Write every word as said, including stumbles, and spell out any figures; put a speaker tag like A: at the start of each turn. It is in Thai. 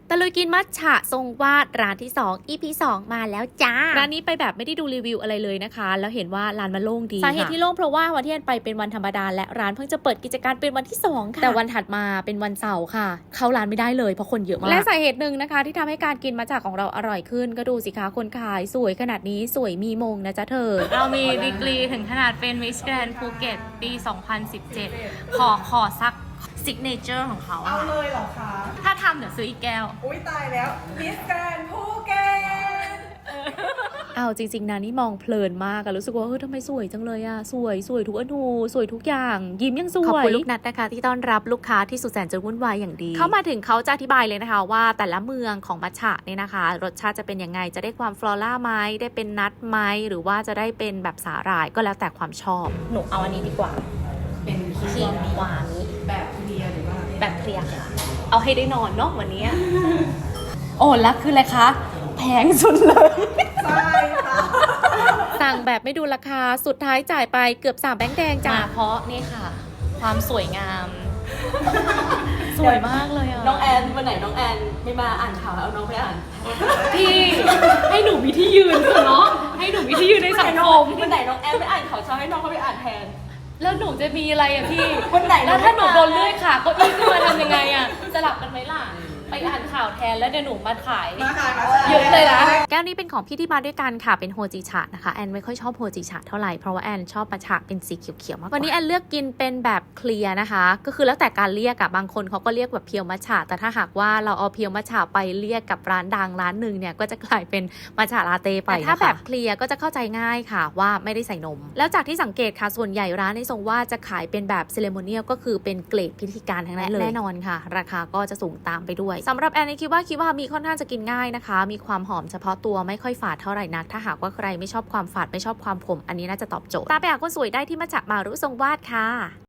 A: ตะลุยกินมัทฉะทรงวาดร้านที่สอง อี พี สองมาแล้วจ้าร้านนี้ไปแบบไม่ได้ดูรีวิวอะไรเลยนะคะแล้วเห็นว่าร้านมันโล่งดีสาเหตุที่โล่งเพราะว่าวันที่อันไปเป็นวันธรรมดาและร้านเพิ่งจะเปิดกิจการเป็นวันที่สองค่ะแต่วันถัดมาเป็นวันเสาร์ค่ะเข้าร้านไม่ได้เลยเพราะคนเยอะมากและสาเหตุหนึ่งนะคะที่ทำให้การกินมัทฉะของเราอร่อยขึ้นก็ดูสิคะคนขายสวยขนาดนี้สวยมีมงนะจ๊ะเธอ
B: เรามีดีกรีถึงขนาดเป็น Miss Grand Phuket ปี สองพันสิบเจ็ด ขอขอสักซิกเนเจอร์ของเขา
C: เอาเลยเหรอคะ
B: ถ้าทำเดี๋ยวซื้ออีกแก้ว
C: อุ้ยตายแล้วมิสแกรนด์ภูเก็ต
A: เอาจริงๆนะนี่มองเพลินมากอะรู้สึกว่าเฮ้ยทำไมสวยจังเลยอะสวยสวยทุกอนูสวยทุกอย่างยิ้มยังสวยขอบคุณลูกนัดนะคะที่ต้อนรับลูกค้าที่สุดแสนจะวุ่นวายอย่างดีเข้ามาถึงเขาจะอธิบายเลยนะคะว่าแต่ละเมืองของมัทฉะเนี่ยนะคะรสชาติจะเป็นยังไงจะได้ความฟลอร่าไหมได้เป็นนัทไหมหรือว่าจะได้เป็นแบบสาหร่ายก็แล้วแต่ความชอบหนูเอาอันนี้ดีกว่า
C: เป็นครี
A: ขีด
C: ม
A: หวาน
C: แบบเคลียร์หรือว่า
A: แบบเคลียร์ค่ะเอาให้ได้นอนเนาะวันนี้ โอ้แล้วคืออะไรคะแพงสุดเลย
C: ใช่ค่ะ
A: สั่งแบบไม่ดูราคาสุดท้ายจ่ายไปเกือบสามแบงค์แดงจ้า
B: มาเพราะนี่ค่ะ ความสวยงาม สวยมากเลยอ่ะ
D: น้องแอนวันไหนน้องแอนไม่มาอ่านข่าวเอาน้องไปอ่าน
B: พี่ให้หนูมีที่ยืนเถอะเนาะให้หนูมีที่ยืนในสังคม
D: วันไหนน้องแอนไม่อ่านข่าวเช้าให้น้องเขาไปอ่านแทน
B: แล้วหนูจะมีอะไรอ่ะพี่
D: วันไหน
B: แล้วถ้าหนูโดนเลื่อยขาเก็อี้ขึ้นมาทำยังไงอ่ะสลับกันไหมล่ะไปอ่านข่าวแทนแล้วเดี๋ยวหนูมาขาย
C: มาค่ะมา
B: เยอะเลยนะ
A: แก้วนี้เป็นของพี่ที่มาด้วยกันค่ะเป็นโฮจิชะนะคะแอนไม่ค่อยชอบโฮจิชะเท่าไหร่เพราะว่าแอนชอบมัทฉะเป็นสีเขียวๆมากกว่าวันนี้แอนเลือกกินเป็นแบบเคลียร์นะคะก็คือแล้วแต่การเรียกอะบางคนเขาก็เรียกแบบเพียวมัทฉะแต่ถ้าหากว่าเราเอาเพียวมัทฉะไปเรียกกับร้านดังร้านหนึ่งเนี่ยก็จะกลายเป็นมัทฉะลาเต้ไปแต่ถ้าแบบเคลียร์ก็จะเข้าใจง่ายค่ะว่าไม่ได้ใส่นมแล้วจากที่สังเกตค่ะส่วนใหญ่ร้านในทรงว่าจะขายเป็นแบบเซเลโมเนียลก็คือเป็นเกรดพิธีการทั้งนั้นเลยแน่นอนค่ะราคาก็จะสูงตามไปด้วยสำหรับแอนนี่คิดว่าคิดว่ามีค่อนข้างจะกินง่ายนะคะมีความหอมเฉพาะตัวไม่ค่อยฝาดเท่าไหร่นักถ้าหากว่าใครไม่ชอบความฝาดไม่ชอบความขมอันนี้น่าจะตอบโจทย์ตามไปหาคนสวยได้ที่มัทฉะมารุทรงวาดค่ะ